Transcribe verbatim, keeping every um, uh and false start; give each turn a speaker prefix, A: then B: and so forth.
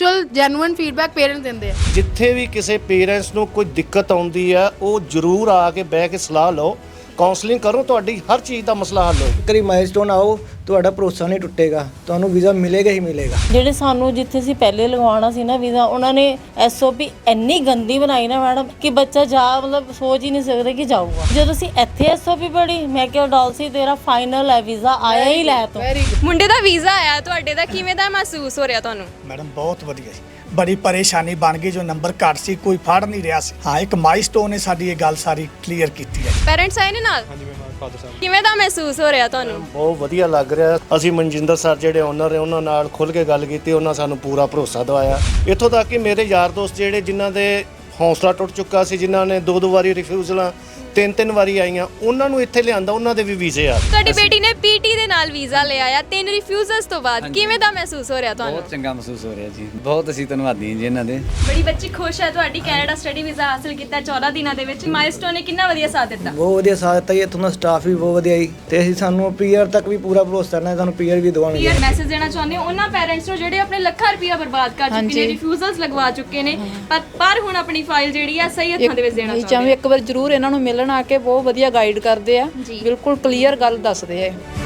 A: Actual genuine feedback parents ਦਿੰਦੇ ਆ।
B: ਜਿੱਥੇ ਵੀ ਕਿਸੇ ਪੇਰੈਂਟਸ ਨੂੰ ਕੋਈ ਦਿੱਕਤ ਆਉਂਦੀ ਆ ਉਹ ਜ਼ਰੂਰ ਆ ਕੇ ਬਹਿ ਕੇ ਸਲਾਹ ਲਓ, ਕਾਉਂਸਲਿੰਗ ਕਰੋ, ਤੁਹਾਡੀ ਹਰ ਚੀਜ਼ ਦਾ ਮਸਲਾ ਹੱਲ ਹੋਊ।
C: ਕਰੀ ਮਾਈਲਸਟੋਨ ਆਓ, ਤੁਹਾਡਾ ਭਰੋਸਾ ਨਹੀਂ ਟੁੱਟੇਗਾ, ਤੁਹਾਨੂੰ ਵੀਜ਼ਾ ਮਿਲੇਗਾ ਹੀ ਮਿਲੇਗਾ।
D: ਜਿਹੜੇ ਸਾਨੂੰ ਜਿੱਥੇ ਅਸੀਂ ਪਹਿਲੇ ਲਗਵਾਉਣਾ ਸੀ ਨਾ ਵੀਜ਼ਾ, ਉਹਨਾਂ ਨੇ ਐਸਓਪੀ ਇੰਨੀ ਗੰਦੀ ਬਣਾਈ ਨਾ ਮੈਡਮ ਕਿ ਬੱਚਾ ਜਾ ਮਤਲਬ ਸੋਚ ਹੀ ਨਹੀਂ ਸਕਦਾ ਕਿ ਜਾਊਗਾ। ਜਦੋਂ ਅਸੀਂ ਇੱਥੇ ਐਸਓਪੀ ਪੜ੍ਹੀ, ਮੈਂ ਕਿਹਾ ਡਾਲਸੀ ਤੇਰਾ ਫਾਈਨਲ ਹੈ ਵੀਜ਼ਾ, ਆਇਆ ਹੀ ਲੈ ਤੂੰ।
E: ਮੁੰਡੇ ਦਾ ਵੀਜ਼ਾ ਆਇਆ, ਤੁਹਾਡੇ ਦਾ ਕਿਵੇਂ ਦਾ ਮਹਿਸੂਸ ਹੋ ਰਿਹਾ ਤੁਹਾਨੂੰ?
F: ਮੈਡਮ ਬਹੁਤ ਵਧੀਆ ਜੀ, ਬੜੀ ਪਰੇਸ਼ਾਨੀ ਬਣ ਗਈ, ਜੋ ਨੰਬਰ ਘੱਟ ਸੀ ਕੋਈ ਫੜ ਨਹੀਂ ਰਿਹਾ ਸੀ। ਹਾਂ, ਇੱਕ ਮਾਈਲਸਟੋਨ ਨੇ ਸਾਡੀ ਇਹ ਗੱਲ ਸਾਰੀ ਕਲੀਅਰ ਕੀਤੀ ਹੈ।
E: ਪੈਰੈਂਟਸ ਆਏ ਨੇ ਨਾਲ?
G: ਹਾਂਜੀ ਮੈਂ ਫਾਦਰ ਸਾਹਿਬ।
E: ਕਿਵੇਂ ਦਾ ਮਹਿਸੂਸ ਹੋ ਰਿਹਾ ਤੁਹਾਨੂੰ?
B: ਬਹੁਤ ਵਧੀਆ ਲੱਗ ਰਿਹਾ। ਅਸੀਂ ਮਨਜਿੰਦਰ ਸਰ ਜਿਹੜੇ ਓਨਰ ਨੇ ਉਹਨਾਂ ਨਾਲ ਖੁੱਲ੍ਹ ਕੇ ਗੱਲ ਕੀਤੀ, ਉਹਨਾਂ ਸਾਨੂੰ ਪੂਰਾ ਭਰੋਸਾ ਦਿਵਾਇਆ। ਇੱਥੋਂ ਤੱਕ ਕਿ ਮੇਰੇ ਯਾਰ ਦੋਸਤ ਜਿਹੜੇ ਜਿਨ੍ਹਾਂ ਦੇ ਹੌਸਲਾ ਟੁੱਟ ਚੁੱਕਾ ਸੀ, ਜਿਨ੍ਹਾਂ ਨੇ ਦੋ ਦੋ ਵਾਰੀ ਰਿਫਿਊਜ਼ਲਾਂ ਤਿੰਨ ਤਿੰਨ ਵਾਰੀ ਆਈਆਂ, ਉਹਨਾਂ ਨੂੰ ਇੱਥੇ ਲਿਆਂਦਾ, ਉਹਨਾਂ ਦੇ ਵੀ ਵੀਜ਼ੇ ਆ।
E: ਤੁਹਾਡੀ ਬੇਟੀ ਨੇ ਪੀਟੀ ਦੇ ਨਾਲ ਵੀਜ਼ਾ ਲਿਆ ਆ ਤਿੰਨ ਰਿਫਿਊਜ਼ਲਸ ਤੋਂ ਬਾਅਦ, ਕਿਵੇਂ ਦਾ ਮਹਿਸੂਸ ਹੋ ਰਿਹਾ ਤੁਹਾਨੂੰ?
H: ਬਹੁਤ ਚੰਗਾ ਮਹਿਸੂਸ ਹੋ ਰਿਹਾ ਜੀ, ਬਹੁਤ ਅਸੀਂ ਧੰਨਵਾਦੀ ਹਾਂ ਜੀ ਇਹਨਾਂ ਦੇ।
E: ਬੜੀ ਬੱਚੀ ਖੁਸ਼ ਹੈ ਤੁਹਾਡੀ ਕੈਨੇਡਾ ਸਟੱਡੀ ਵੀਜ਼ਾ ਹਾਸਲ ਕੀਤਾ ਚੌਦਾਂ ਦਿਨਾਂ ਦੇ ਵਿੱਚ। ਮਾਈਲਸਟੋਨ ਨੇ ਕਿੰਨਾ ਵਧੀਆ ਸਾਥ ਦਿੱਤਾ?
C: ਬਹੁਤ ਵਧੀਆ ਸਾਥ ਦਿੱਤਾ ਜੀ, ਇੱਥੋਂ ਦਾ ਸਟਾਫ ਵੀ ਬਹੁਤ ਵਧੀਆ ਜੀ, ਤੇ ਅਸੀਂ ਸਾਨੂੰ ਪੀਆਰ ਤੱਕ ਵੀ ਪੂਰਾ ਭਰੋਸਾ ਹੈ, ਸਾਨੂੰ ਪੀਆਰ ਵੀ ਦਵਾਉਣਗੇ।
E: ਪੀਆਰ ਮੈਸੇਜ ਦੇਣਾ ਚਾਹੁੰਦੇ ਹੋ ਉਹਨਾਂ ਪੈਰੈਂਟਸ ਨੂੰ ਜਿਹੜੇ ਆਪਣੇ ਲੱਖਾਂ ਰੁਪਇਆ ਬਰਬਾਦ ਕਰ ਚੁੱਕੇ ਨੇ, ਰਿਫਿਊਜ਼ਲਸ ਲਗਵਾ ਚੁੱਕੇ ਨੇ, ਪਰ ਪਰ ਹੁਣ ਆਪਣੀ ਫਾਈਲ ਜਿਹੜੀ ਆ ਸਹੀ ਹੱਥਾਂ ਦੇ ਵਿੱਚ ਦੇਣਾ ਚਾਹੁੰਦੇ?
I: ਚਾਹੇ ਇੱਕ ਵਾਰ ਜ਼ਰੂਰ ਇਹਨਾਂ ਨੂੰ ਮਿਲਣ ਆ ਕੇ ਬਹੁਤ ਵਧੀਆ ਗਾਈਡ ਕਰਦੇ ਆ, ਬਿਲਕੁਲ ਕਲੀਅਰ ਗੱਲ ਦੱਸਦੇ ਆ।